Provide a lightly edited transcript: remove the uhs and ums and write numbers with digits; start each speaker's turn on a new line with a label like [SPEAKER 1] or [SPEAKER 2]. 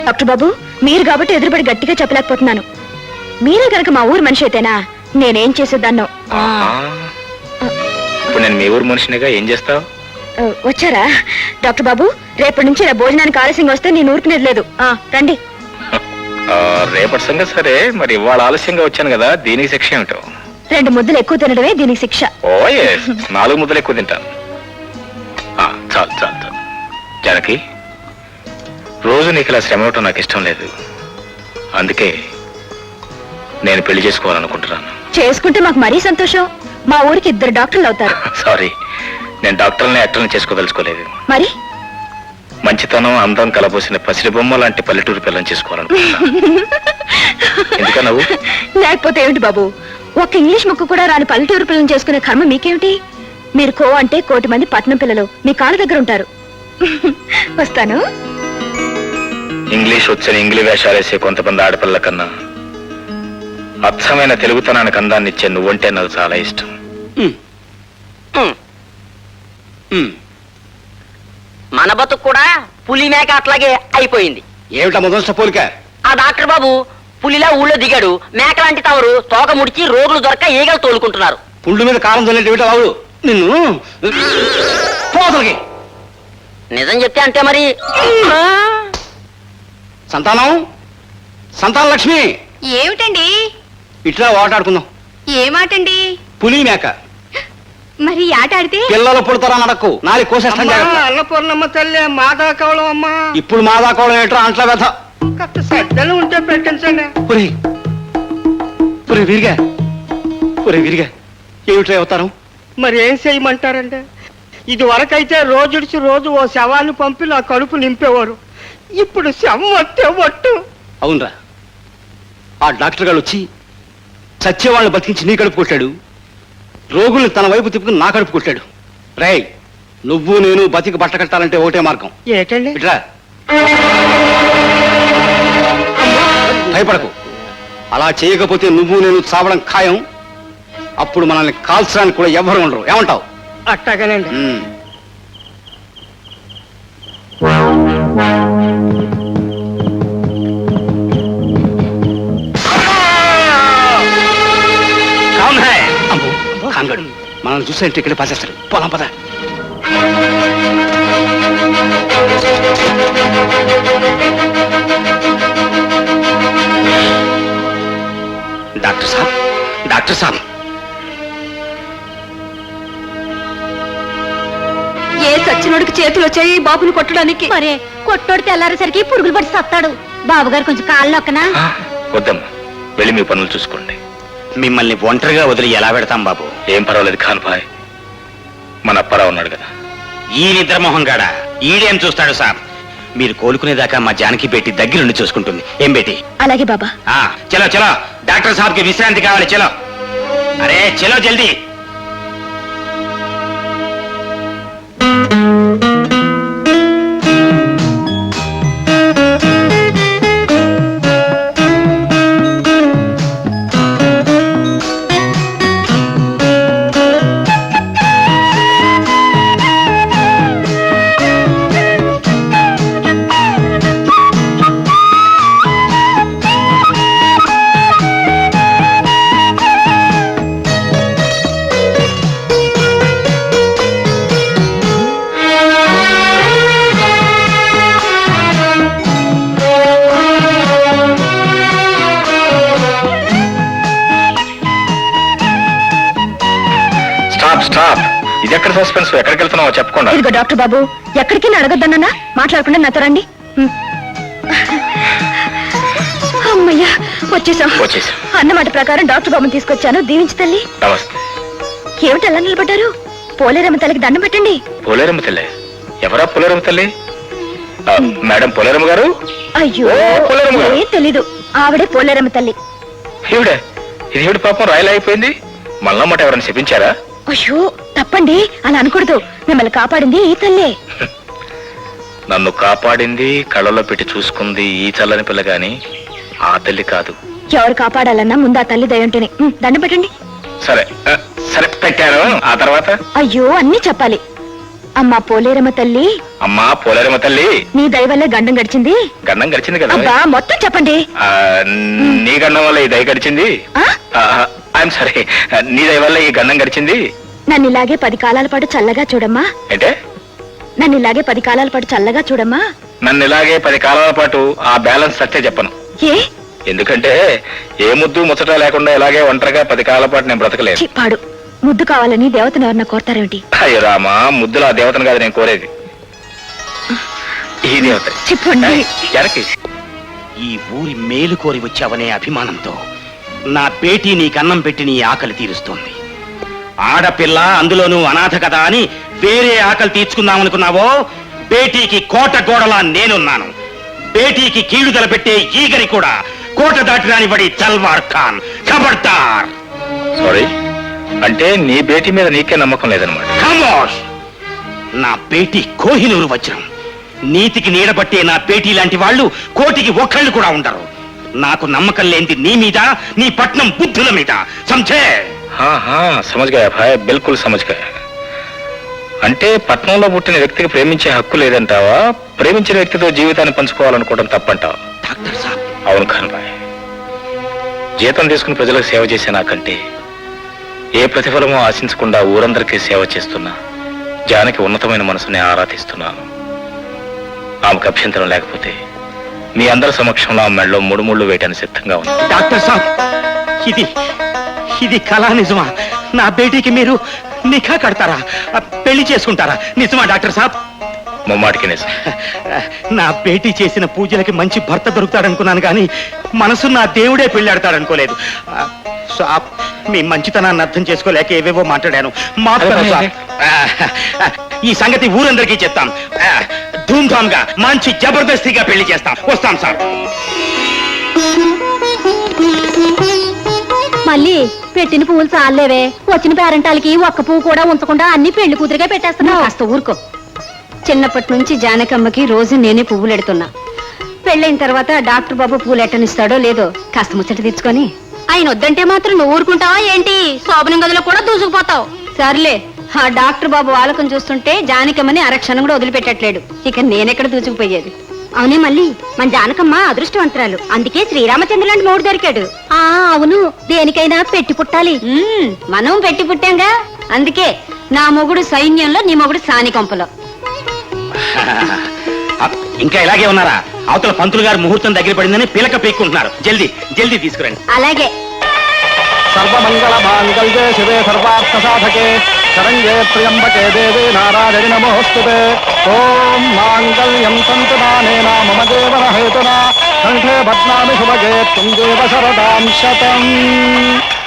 [SPEAKER 1] Doctor బాబు, మీరు కాబట్టి ఎదురుపడి గట్టిగా చెప్పలేకపోతున్నాను. మీరే కనుక మా ఊరు మనిషి అయితేనా నేనేం చేసేదాన్నో.
[SPEAKER 2] ఇప్పుడు నేను మీ ఊరు మనిషినిగా ఏం చేస్తావు?
[SPEAKER 1] వచ్చారా డాక్టర్ బాబు? రేపటి నుంచి నా భోజనానికి ఆలస్యంగా వస్తే నేను ఊరుకునేది లేదు. రండి.
[SPEAKER 2] రేపటి సంగతి సరే, మరి ఇవాళ ఆలస్యంగా వచ్చాను కదా, దీనికి శిక్ష ఏమిటో?
[SPEAKER 1] 2 ముద్దలు ఎక్కువ తినడమే దీనికి శిక్ష.
[SPEAKER 2] ఓ 4 ముద్దలు ఎక్కువ తింటాను. చాలు చాలు చాలు. జానకి, రోజు నీకు ఇలా శ్రమ ఇవ్వటం నాకు ఇష్టం లేదు. అందుకే నేను పెళ్లి చేసుకోవాలనుకుంటున్నాను.
[SPEAKER 1] చేసుకుంటే మాకు మరీ సంతోషం. మా ఊరికి 2 డాక్టర్లు అవుతారు.
[SPEAKER 2] సారీ, నేను డాక్టర్ని యాక్టర్ని చేసుకోదలుచుకోలేదు.
[SPEAKER 1] మరి
[SPEAKER 2] మంచితనం, అందం కలబోసిన పసిడి బొమ్మ లాంటి పల్లెటూరు పిల్లని చేసుకోవాలనుకుంటున్నాను. ఎందుకన్నా నువ్వు?
[SPEAKER 1] లేకపోతే ఏమిటి బాబు, ఒక్క ఇంగ్లీష్ ముక్క కూడా రాని పల్లెటూరు పిల్లని చేసుకునే కర్మ మీకేమిటి? మీరు కో అంటే 1 కోటి మంది పట్నం పిల్లలు మీ కాళ్ళ దగ్గర ఉంటారు. వస్తాను.
[SPEAKER 2] ఇంగ్లీష్ వచ్చని ఇంగ్లీ వేషాలేసే కొంతమంది ఆడపిల్ల కన్నా అచ్చమైన తెలుగుతనానికి అందాన్ని ఇచ్చే నువ్వంటే నాకు చాలా ఇష్టం.
[SPEAKER 3] మన బతుకు కూడా పులి మేక అట్లాగే అయిపోయింది.
[SPEAKER 4] ఏమిటా మొదటి పోలిక?
[SPEAKER 3] ఆ డాక్టర్ బాబు పులిలా ఊళ్ళో దిగాడు. మేక లాంటి తవరు తోక ముడిచి రోగులు దొరక ఈగలు తోలుకుంటున్నారు.
[SPEAKER 4] పుండు మీద కారం చల్లేటి బాబు నిన్ను పోతలకి.
[SPEAKER 3] నిజం చెప్తే అంటే మరి
[SPEAKER 4] సంతానం, సంతాన లక్ష్మి,
[SPEAKER 1] ఏమిటండి?
[SPEAKER 4] ఇట్లా ఆటాడుకుందాం.
[SPEAKER 1] ఏమాటండి?
[SPEAKER 4] పులి మేక.
[SPEAKER 1] మరి ఆట ఆడితే
[SPEAKER 4] పిల్లలు పుడతారా నడకు, నాలి కోసేస్తాను.
[SPEAKER 5] అన్నపూర్ణమ్మ తల్లి మాదా కవలం అమ్మా.
[SPEAKER 4] ఇప్పుడు మాదా కోవడం ఏంట్రా అంట్ల వ్యథ.
[SPEAKER 5] కాస్త సద్దలు ఉంటే పెట్టించండి.
[SPEAKER 4] విరిగా విరిగా ఏమిట్రా అవుతారు?
[SPEAKER 5] మరి ఏం చేయమంటారండి? ఇది వరకైతే రోజుడిచి రోజు ఓ శవాన్ని పంపి నా కడుపు నింపేవారు. ఇప్పుడు శవం వస్తే ఒట్టు.
[SPEAKER 4] అవునరా, ఆ డాక్టర్ గారు వచ్చి చచ్చేవాళ్ళని బతికించి నీ కడుపు కొట్టాడు, రోగుల్ని తన వైపు తిప్పుకుని నా కడుపు కొట్టాడు. రేయ్, నువ్వు నేను బతికి బట్ట కట్టాలంటే ఒకటే మార్గం.
[SPEAKER 5] ఏటండి?
[SPEAKER 4] ఇట్లా భయపడకు. అలా చేయకపోతే నువ్వు నేను చావడం ఖాయం. అప్పుడు మనల్ని కాల్చడానికి కూడా ఎవరు ఉండరు. ఏమంటావు?
[SPEAKER 5] అట్టగానండి.
[SPEAKER 4] కాంగడు మనల్ని చూసేంటే ఇక్కడ పాసేస్తాడు. పోదాం పద. డాక్టర్ సాబ్, డాక్టర్ సాబ్.
[SPEAKER 1] ఏ సచ్చినోడికి చేతులు వచ్చాయి బాబుని కొట్టడానికి? మరే కొట్టోడితే తెల్లారేసరికి పురుగులు పడి సత్తాడు. బాబుగారు కొంచెం కాళ్ళు నొక్కనా?
[SPEAKER 2] వద్దమ్మా, వెళ్ళి మీ పనులు చూసుకోండి.
[SPEAKER 4] మిమ్మల్ని ఒంటరిగా వదిలి ఎలా పెడతాం బాబు?
[SPEAKER 2] ఏం పర్వాలేదు ఖాన్భాయ్, మన అప్పారావు ఉన్నాడు కదా.
[SPEAKER 4] ఈ నిద్రమోహం గాడా ఈడేం చూస్తాడు సాబ్? మీరు కోలుకునేదాకా మా జానకి బేటి దగ్గరుండి చూసుకుంటుంది. ఏం బేటి?
[SPEAKER 1] అలాగే బాబా.
[SPEAKER 4] చలో చలో, డాక్టర్ సాబ్ కి విశ్రాంతి కావాలి. చలో, అరే చలో జల్దీ.
[SPEAKER 2] స్టాప్. ఇది ఎక్కడ సస్పెన్స్? ఎక్కడికి వెళ్తున్నావో చెప్పకుండా.
[SPEAKER 1] ఇదిగో డాక్టర్ బాబు, ఎక్కడికి అడగద్దన్నా మాట్లాడకుండా నాతో రండి. అమ్మయ్యా, వచ్చేసాం. అన్నమాట ప్రకారం డాక్టర్ బాబుని తీసుకొచ్చాను. దీవించి తల్లి.
[SPEAKER 2] నమస్తే.
[SPEAKER 1] ఏమిటి అలా నిలబడ్డారు? పోలేరమ్మ తల్లికి దండం పెట్టండి.
[SPEAKER 2] పోలేరమ్మ తల్లి? ఎవరా పోలేరమ్మ తల్లి? మేడం పోలేరమ్మ గారు?
[SPEAKER 1] అయ్యో, ఏం తెలీదు. ఆవిడే పోలేరమ్మ తల్లి.
[SPEAKER 2] ఇది పాపం రాయలా అయిపోయింది. మళ్ళా మాట ఎవరైనా చెప్పించారా?
[SPEAKER 1] అయ్యో తప్పండి, అలా అనకూడదు. మిమ్మల్ని కాపాడింది ఈ తల్లే.
[SPEAKER 2] నన్ను కాపాడింది, కళ్ళలో పెట్టి చూసుకుంది ఈ చల్లని పిల్ల గాని ఆ తల్లి కాదు.
[SPEAKER 1] ఎవరు కాపాడాలన్నా ముందు ఆ తల్లి దయ ఉంటేనే. దండం పెట్టండి.
[SPEAKER 2] సరే సరే, పెట్టాను. ఆ తర్వాత?
[SPEAKER 1] అయ్యో, అన్నీ చెప్పాలి. అమ్మా పోలేరమ్మ తల్లి,
[SPEAKER 2] అమ్మా పోలేరమ్మ తల్లి,
[SPEAKER 1] నీ దయ వల్లే గండం గడిచింది.
[SPEAKER 2] గండం గడిచింది కదా.
[SPEAKER 1] అబ్బా మొత్తం చెప్పండి.
[SPEAKER 2] ఆ, నీ గండం వల్ల ఈ దయ గడిచింది.
[SPEAKER 1] ఆ?
[SPEAKER 2] ఐఎమ్ సారీ, నీ దయ వల్ల ఈ గండం గడిచింది.
[SPEAKER 1] నన్ను ఇలాగే 10 కాలాల పాటు చల్లగా చూడమ్మా.
[SPEAKER 2] అంటే
[SPEAKER 1] నన్ను ఇలాగే 10 కాలాల పాటు చల్లగా చూడమ్మా.
[SPEAKER 2] నన్ను ఇలాగే 10 కాలాల పాటు ఆ బ్యాలెన్స్ సత్తే చెప్పను.
[SPEAKER 1] ఏ
[SPEAKER 2] ఎందుకంటే ఏ ముద్దు ముచ్చట లేకుండా ఇలాగే ఒంటరిగా 10 కాలాల పాటు నేను బ్రతకలేదు.
[SPEAKER 1] చిప్పాడు. ముద్దు కావాలని దేవతను ఎవరన్నా కోరతారేమిటి?
[SPEAKER 2] అయ్యో రామా, ముద్దులో ఆ దేవతను కాదు నేను కోరేది, ఈ దేవత.
[SPEAKER 1] చెప్పండి.
[SPEAKER 2] జనకి,
[SPEAKER 4] ఈ ఊరి మేలు కోరి వచ్చావనే అభిమానంతో నా బేటీ నీకు అన్నం పెట్టి నీ ఆకలి తీరుస్తోంది. ఆడపిల్ల, అందులోనూ అనాథ కదా అని వేరే ఆకలి తీర్చుకుందామనుకున్నావో, బేటీకి కోట గోడలా నేనున్నాను. బేటీకి కీడు తలపెట్టే ఈగని కూడా కోట దాటి రానివ్వడి తల్వార్ ఖాన్. ఖబర్దార్.
[SPEAKER 2] సారీ, అంటే నీ బేటీ మీద నీకే నమ్మకం లేదనమాట.
[SPEAKER 4] ఖమోష్. నా బేటీ కోహినూరు వజ్రం. నీతికి నీడబట్టే నా బేటీ లాంటి వాళ్ళు కోటికి ఒక్కళ్ళు కూడా ఉండరు. నాకు నమ్మకం లేనిది నీ మీద, నీ పట్నం బుద్ధుల మీద. సంచే
[SPEAKER 2] సమజ్ గయా భాయ్, బిల్కుల్ సమజ్ గయా. అంటే పట్నంలో పుట్టిన వ్యక్తికి ప్రేమించే హక్కు లేదంటావా? ప్రేమించిన వ్యక్తితో జీవితాన్ని పంచుకోవాలనుకోవడం తప్పంటావా?
[SPEAKER 4] డాక్టర్ సాబ్.
[SPEAKER 2] అవును ఖాన్ భాయ్, జీతం తీసుకుని ప్రజలకు సేవ చేసే నాకంటే ఏ ప్రతిఫలమో ఆశించకుండా ఊరందరికీ సేవ చేస్తున్నా జానకి ఉన్నతమైన మనసుని ఆరాధిస్తున్నాను. ఆమెకు అభ్యంతరం లేకపోతే మీ అందరి సమక్షంలో ఆమె మెడలో 3 ముళ్ళు వేయడానికి సిద్ధంగా ఉంది.
[SPEAKER 4] డాక్టర్ సాబ్, ఇది కళా నిజమా? నా బేటీకి మీరు నిఖా కడతారా? పెళ్లి చేసుకుంటారా? నిజమా డాక్టర్ సాబ్?
[SPEAKER 2] ముమ్మాటికి నిజం.
[SPEAKER 4] నా బేటీ చేసిన పూజలకి మంచి భర్త దొరుకుతాడనుకున్నాను కానీ మనసు నా దేవుడే పెళ్ళాడతాడనుకోలేదు. సాబ్, మీ మంచితనాన్ని అర్థం చేసుకోలేక ఏవేవో మాట్లాడాను. మాట్లాడాను సాబ్. ఈ సంగతి ఊరందరికీ చెప్తాం. ధూమ్ధామ్ గా మంచి జబర్దస్తిగా పెళ్లి చేస్తాం. వస్తాం సార్.
[SPEAKER 6] మళ్ళీ పెట్టిన పువ్వులు చాలేవే, వచ్చిన పేరంటాలకి ఒక్క పువ్వు కూడా ఉంచకుండా అన్ని పెళ్లి కూతురుగా పెట్టేస్తున్నావు. కాస్త ఊరుకో. చిన్నప్పటి నుంచి జానకమ్మకి రోజు నేనే పువ్వులు ఎడుతున్నా. పెళ్ళైన తర్వాత డాక్టర్ బాబు పువ్వులు ఎట్టనిస్తాడో లేదో కాస్త ముచ్చట తెచ్చుకొని. ఆయన వద్దంటే మాత్రం నువ్వు ఊరుకుంటావా ఏంటి? శోభనం గదిలో కూడా దూసుకుపోతావు. సర్లే, ఆ డాక్టర్ బాబు వాళ్ళకం చూస్తుంటే జానకమ్మని అరక్షణం కూడా వదిలిపెట్టట్లేడు. ఇక నేనెక్కడ దూసుకుపోయేది? అవునే మళ్ళీ, మన జానకమ్మ అదృష్టవంతురాలు. అందుకే శ్రీరామచంద్ర లాంటి మూడు దొరికాడు. అవును, దేనికైనా పెట్టి పుట్టాలి. మనం పెట్టి పుట్టాంగా. అందుకే నా మొగుడు సైన్యంలో, నీ మొగుడు సానికంపలో.
[SPEAKER 4] ఇంకా ఇలాగే ఉన్నారా? అవతల పంతులు గారు ముహూర్తం దగ్గర పడిందని పిలక పీక్కుంటున్నారు. జల్దీ జల్దీ తీసుకురండి.
[SPEAKER 6] అలాగే.
[SPEAKER 4] సర్వమంగళ మాంగళ్యే శివే సర్వార్థ సాధకే శరణ్యే త్ర్యంబకే దేవే నారాయణి నమోస్తుతే. ఓం మాంగళ్యం తంతునానేన మమ జీవన హేతునా కంఠే బధ్నామి శుభగే త్వం దేవ శరదాం శతం.